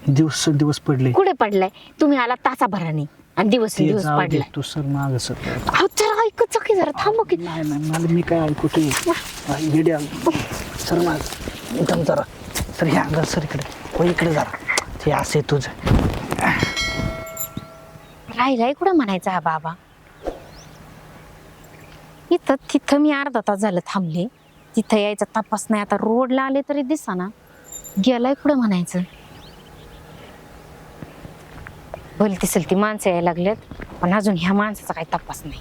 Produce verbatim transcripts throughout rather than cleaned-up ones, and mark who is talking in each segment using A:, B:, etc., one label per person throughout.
A: दिवस दिवस पडले.
B: कुठे पडलाय? तुम्ही आला तासाभराने आणि दिवस
A: ते
B: दिवस
A: जाऊ दे,
B: पडलाय.
A: तू सर माग सर.
B: अहो जरा ऐकत की जरा थांब की.
A: नाही नाही मला मी काय ऐकू ते येड्या सर माग एकदम जरा सर ह्या अंगाल सर इकडे हो इकडे जरा ते असे तुझं
B: राहिलाय कुठं म्हणायचा हा बाबा. इथं तिथं मी अर्धा तास झालं थांबले, तिथं यायचा तपास नाही. आता रोडला आले तरी दिसा ना, गेलाय कुठं म्हणायचं. भलती सलती माणसं यायला लागल्यात, पण अजून ह्या माणसाचा काही तपास नाही.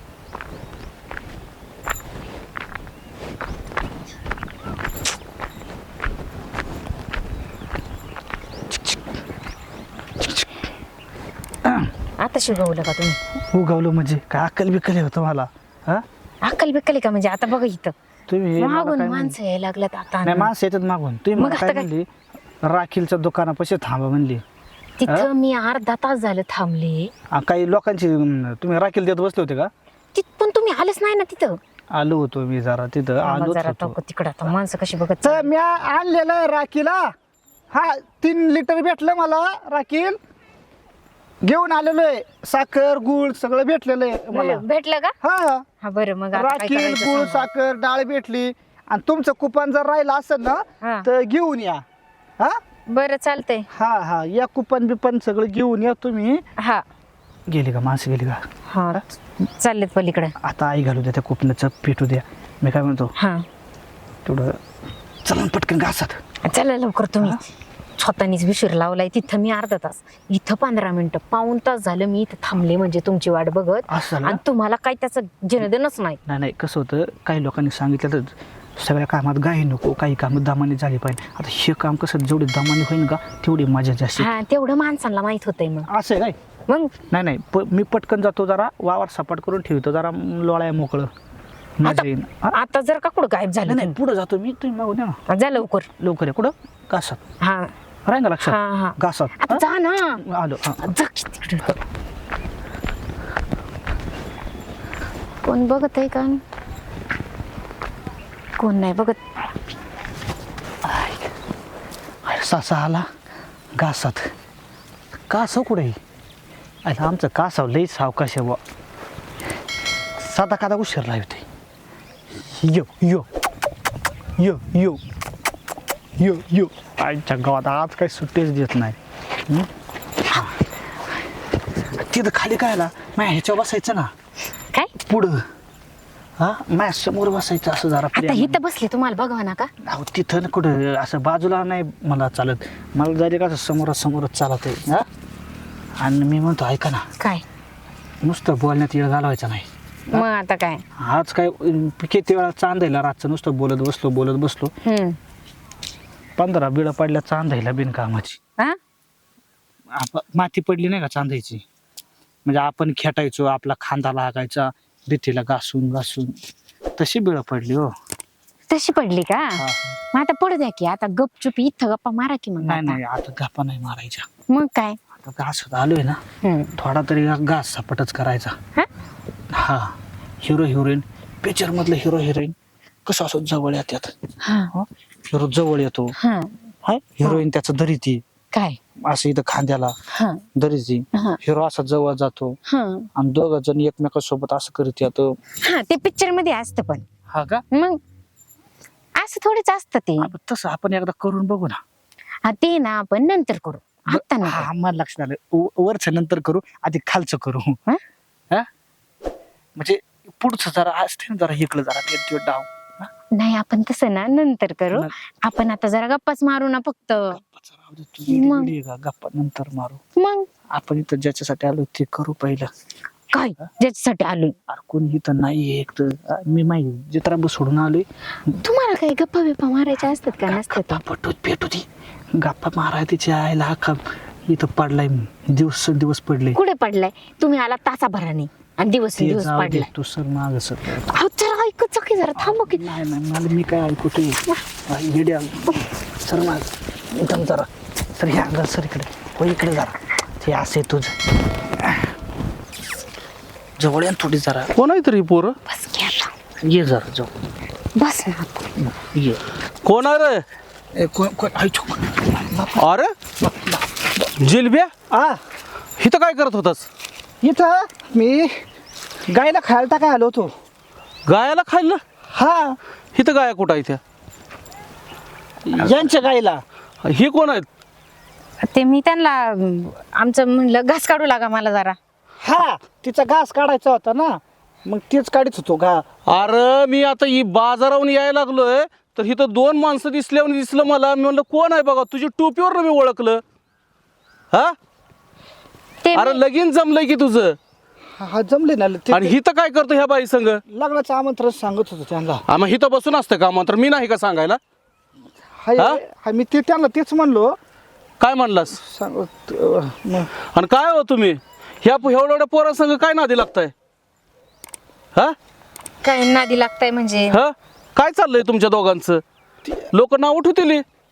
B: आता शिकवलं का तुम्ही?
A: उगवलं म्हणजे काय अक्कल बिक्कल होतं मला. हा
B: अक्कल बिक्कल का म्हणजे? आता बघा इथं
A: तुम्ही मला
B: मागून
A: काय
B: माणसं यायला लागल्यात आता.
A: नाही माणसं येतात मागून. तुम्ही
B: मग
A: मला
B: आता
A: काय
B: काय?
A: म्हणली राखीलच्या दुकानापाशी थांबा म्हणली.
B: तिथं मी अर्धा तास झालं थांबले.
A: आ, काही लोकांची अं, तुम्ही राखील देत बसले होते का?
B: तिथ पण तुम्ही आलेच नाही ना तिथं.
A: आलो होतो मी जरा तिथं आलो
B: जरा
A: होतो.
B: तिकडं आता माणसं कशी बघत
A: तर मी आणलेलं आहे राखीला. हा तीन लिटर भेटलं मला राखील. घेऊन आलेलो आहे. साखर गुळ सगळं भेटलेलं आहे मला.
B: भेटलं का?
A: हा
B: हा बरं मग आता काय
A: राखील
B: करायचं
A: गुळ
B: सांगा.
A: साखर डाळ भेटली. आणि तुमचं कुपन जर राहिलं असेल
B: हा.
A: ना तर घेऊन या. हा
B: बरं चालतंय.
A: हा हा या कुपन बिपन सगळं घेऊन या तुम्ही.
B: हा
A: गेली का माणसं गेली का?
B: हा चाललेत पलीकडे.
A: आता आई घालू द्या त्या कुपनाचं पेटू द्या. मी काय म्हणतो
B: हा
A: तेवढं चला पटकन घासात.
B: चला लवकर. तुम्ही स्वतःनीच विशीर लावलाय. तिथं मी अर्धा तास, इथं पंधरा मिनिटं, पाऊन तास झालं मी इथं थांबले म्हणजे तुमची वाट बघत.
A: असं ना?
B: आणि तुम्हाला काही त्याचं जनदेनच नाही.
A: नाही नाही कसं होतं काही लोकांनी सांगितलं तर सगळ्या कामात गाई नको, काही कामात दमाने झाली पाहिजे. आता हे काम कसं जेवढी दमाने होईल का तेवढी मजा जास्त.
B: हा तेवढं माणसांना माहित होतंय. मग
A: असं आहे काय?
B: मग
A: नाही नाही प मी पटकन जातो जरा वावर सपाट करून ठेवतो जरा लोळाय मोकळं मजा
B: आता
A: येईल. हा?
B: आता जर का कुठं गायब झालं
A: नाही पुढं जातो मी तुम्ही मागून या ना
B: तुम्ही? जा लवकर.
A: लवकर आहे. कुठं? घासात
B: हा
A: राहील का
B: हा
A: लक्षात?
B: हा
A: घासात
B: आता जा ना.
A: हा? आलो. हा
B: जा की तिकडं. कोण बघत आहे का? कोण नाही बघत.
A: अरे सासा आला घासात. कासव कुठे? अरे आमचं कासव लई सावकाश आहे बुवा. साधा कादा उशीर लावते. यो यो यो यो यो यो आजच्या गावात आज काही सुट्टीच देत नाही. हं? हा. तिथं खाली काय आला माझ्या ह्याच्यावर बसायचं ना
B: काय?
A: पुढं. हा माझ्या समोर बसायचं असं जरा
B: आता
A: प्रेमाने.
B: इथं बसले तुम्हाला बघवा ना का?
A: अहो तिथं ना कुठं असं बाजूला नाही मला चालत. मला जायचं का असं समोरासमोरच चालत आहे. हा आणि मी म्हणतो ऐका ना
B: काय?
A: नुसतं बोलण्यात येळ घालवायचा नाही.
B: मग आता काय?
A: आज काय अं, किती वेळा चांदायला रातचं नुसतं बोलत बसलो बोलत बसलो.
B: हम्म
A: पंधरा बिळं पडल्या चांदायला बिनकामाची.
B: हा
A: आप- माती पडली नाही का चांदायची म्हणजे आपण खेटायचो आपला खांदा लागायचा भीतीला घासून घासून तशी बिळं पडली हो.
B: तशी पडली का?
A: हा.
B: मग आता पडू द्या की. आता गपचूप इथं गप्पा मारा की. मग
A: नाही
B: आता.
A: नाही आता गप्पा नाही मारायच्या.
B: मग काय?
A: आता घास आलोय ना
B: हम्म.
A: थोडा तरी घास सपाटच करायचा.
B: हा?
A: हा हिरो हिरोईन पिक्चर मधलं हिरो हिरोईन कसं असं जवळ येतात.
B: हा
A: हिरो जवळ येतो.
B: हा
A: हाय हिरोईन त्याचं धरीती
B: काय?
A: असं इथं खांद्याला
B: हा
A: धरीती.
B: हा
A: हिरो असा जवळ जातो
B: हा
A: आणि दोघ जण एकमेकांसोबत असं करीत येतो.
B: हा ते पिक्चर मध्ये असतं पण.
A: हा का?
B: मग असं थोडीच असतं ते.
A: आपण तसं आपण एकदा करून बघू ना.
B: हा ते ना आपण नंतर करू. आता नका.
A: हा मला लक्षात आलं वरच नंतर करू आधी खालचं करू.
B: हा?
A: हा म्हणजे पुढचं जरा असते ना जरा इकडं जरा ते ते डाव. हा?
B: नाही आपण तसं ना नंतर करू.
A: न-
B: आपण आता जरा गप्पाच मारू ना फक्त.
A: गप्पाचं राहू दे, तुझी
B: मग?
A: वेडी आहे का? गप्पा नंतर मारू.
B: मग
A: आपण इथं ज्याच्यासाठी आलो ते करू पहिलं.
B: काय ज्याच्यासाठी आलोय?
A: अरे कोणी इथं नाहीये एक तर मी माहिती जित्रांब सोडून आलोय.
B: तुम्हाला काही गप्पा बिप्पा मारायच्या असतात का? नसतात.
A: गप्पा पटूत पेटू ती गप्पा माराय तिच्या आईला अख्खा इथं पडलाय दिवस दिवस पडले.
B: कुठे पडलाय? तुम्ही आला तासाभराने आणि दिवस
A: ते
B: दिवस
A: जाऊ दे,
B: पडलाय.
A: तू सर माग सर.
B: अहो जरा ऐकत की जरा थांब की.
A: नाही नाही मला मी काय ऐकू ते येड्या सर माग एकदम जरा सर ह्या अंगाल सर इकडे हो इकडे जरा ते असे तुझं जवळ या ना थोडी जरा.
C: कोण आहे तरी पोरं?
B: बस घ्या.
A: ये जरा जवळ
B: बस ना.
A: ये.
C: कोण आहे रे?
A: ए, कोण कोण आई छो
C: अरे जिलब्या
A: आ
C: इथं काय करत होतास?
A: इथं मी गायला खायला टाकाय आलो होतो.
C: गायाला खायला?
A: हा
C: इथं गाया कुठं आहे त्या?
A: यांच्या गायला.
C: हे कोण आहेत?
B: ते मी त्यांना अं, आमचं म्हणलं घास काढू लागा मला जरा.
A: हा तिचा घास काढायचा होता ना, मग तेच काढत होतो घा.
C: अरे मी आता ही बाजारावरून यायला लागलोय तर इथं दोन माणसं दिसल्यावर दिसलं मला. मी म्हणलं कोण आहे बघा, तुझी टोपीवर मी ओळखलं. हा
B: ते
C: अरे
B: मी-
C: लगीन जमलंय की तुझं.
A: हा हा, जमले ना ते.
C: आणि हिथं काय करतो ह्या बाई संग?
A: लग्नाचं आमंत्रण सांगत होतो त्यांना.
C: हा, मग हिथं बसून असतं का मात्र? मी नाही का सांगायला?
A: हाय
C: हा?
A: हा, मी ते त्यांना तेच म्हणलो
C: काय म्हणलास?
A: सांगत अं, मग
C: आणि काय हो तुम्ही ह्या एवढ्या एवढ्या पोरा संग काय नादी लागताय? हा
B: काय नादी लागताय म्हणजे?
C: हा काय चाललंय तुमच्या दोघांचं? लोक नाव उठवतील.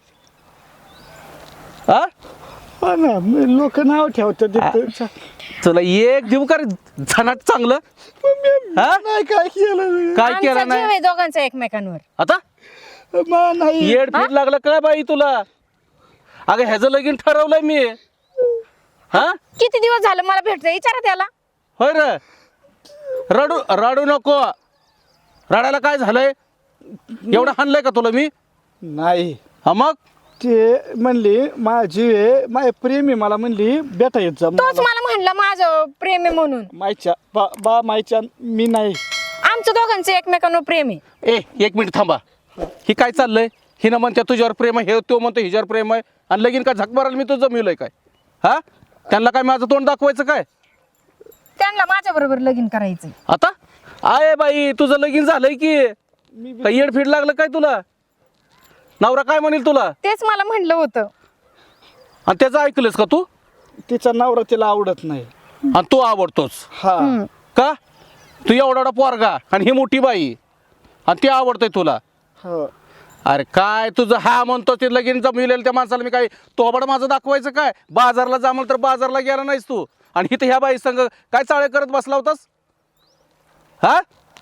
C: हा
A: हा ना, लोक नाव ठेवतात.
C: चला एक देऊ का रे झनाट चांगलं? हा?
A: नाही काय केलं
C: काय
B: आमचा
C: केलं
B: जीव
C: नाही
B: आहे दोघांचा एकमेकांवर.
C: आता?
A: मा नाही.
C: येड फीट लागलं काय बाई तुला? अगं ह्याचं लगीन ठरवलंय मी. हा
B: किती दिवस झालं मला भेटतोय, विचारा त्याला.
C: होय रे. रडू रडू नको. रडायला काय झालंय? एवढं हाणलंय का तुला मी?
A: नाही
C: हा मग
A: ते म्हणली माझी आहे माझे प्रेमी, मला म्हणली बेटा येत जा
B: तोच मला म्हणला माझं प्रेम आहे म्हणून.
A: मायच्या बा बा मायच्या मी नाही.
B: आमचं दोघांचं एकमेकांवर प्रेम आहे.
C: ए एक मिनिट थांबा. ही काय चाललंय? हिनं म्हणते तुझ्यावर प्रेम आहे, हे तो म्हणतो हिच्यावर प्रेम आहे. आणि लगीन काय झक मारायला मी तुझं जमिवलंय काय? हा त्यांना काय माझं तोंड दाखवायचं काय?
B: त्यांना माझ्या बरोबर लगीन करायचंय.
C: आता आय बाई तुझं लगीन झालंय की काय? येडफीड लागलं काय तुला? नवरा काय म्हणेल तुला?
B: तेच मला म्हणलं होतं.
C: आणि त्याचं ऐकलंस का तू?
A: तिचा नवरा तिला आवडत नाही.
C: आणि तू आवडतोच
A: हा
C: का? तू एवढा एवढा पोरगा आणि ही मोठी बाई आणि ती आवडतंय तुला.
A: हो.
C: अरे काय तुझं हा म्हणतो ते लगीन जमविलेलं त्या माणसाला मी काय तोबड माझं दाखवायचं काय? बाजारला जा म्हणलं तर बाजारला गेला नाहीस तू. आणि इथं ह्या बाई संग काय चाळे करत बसला होतास? हा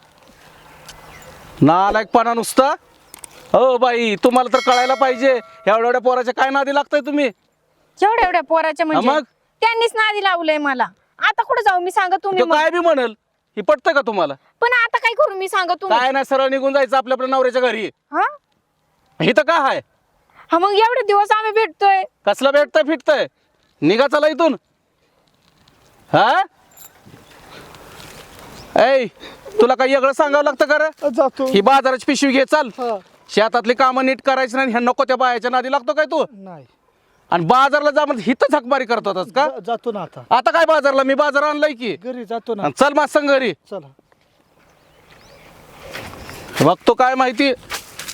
C: नालायकपणा नुसता. हो बाई तुम्हाला तर कळायला पाहिजे एवढ्या एवढ्या पोराच्या काय नादी लागताय तुम्ही?
B: एवढ्या एवढ्या पोराच्या म्हणजे
C: मग?
B: त्यांनीच नादी लावलंय मला. आता कुठे जाऊ मी, सांगा तुम्ही
C: तो
B: मग.
C: काय बी म्हणल ही पटतं का तुम्हाला?
B: पण आता काय करू मी, सांगा तुम्ही.
C: काय नाही सरळ निघून जायचं आपल्या आपल्या नवऱ्याच्या घरी.
B: हा
C: इथं काय आहे?
B: हा मग एवढे दिवस आम्ही भेटतोय.
C: कसलं भेटतंय फिटतंय? निघा चला इथून. हा ऐ तुला काही वेगळं सांगावं लागतं का रे?
A: जातो.
C: ही बाजाराची पिशवी घे चाल.
A: हा.
C: शेतातली कामं नीट करायची नाही. ह्या नको त्या बायाच्या नादी लागतो काय तू?
A: नाही
C: आणि बाजारला जा म्हणजे हिथं झकमारी करत होतास का?
A: जा- जातो ना आता.
C: आता काय बाजारला? मी बाजार आणलाय की.
A: घरी जातो ना.
C: आणि चल माझ संग घरी.
A: चला.
C: बघतो काय माहिती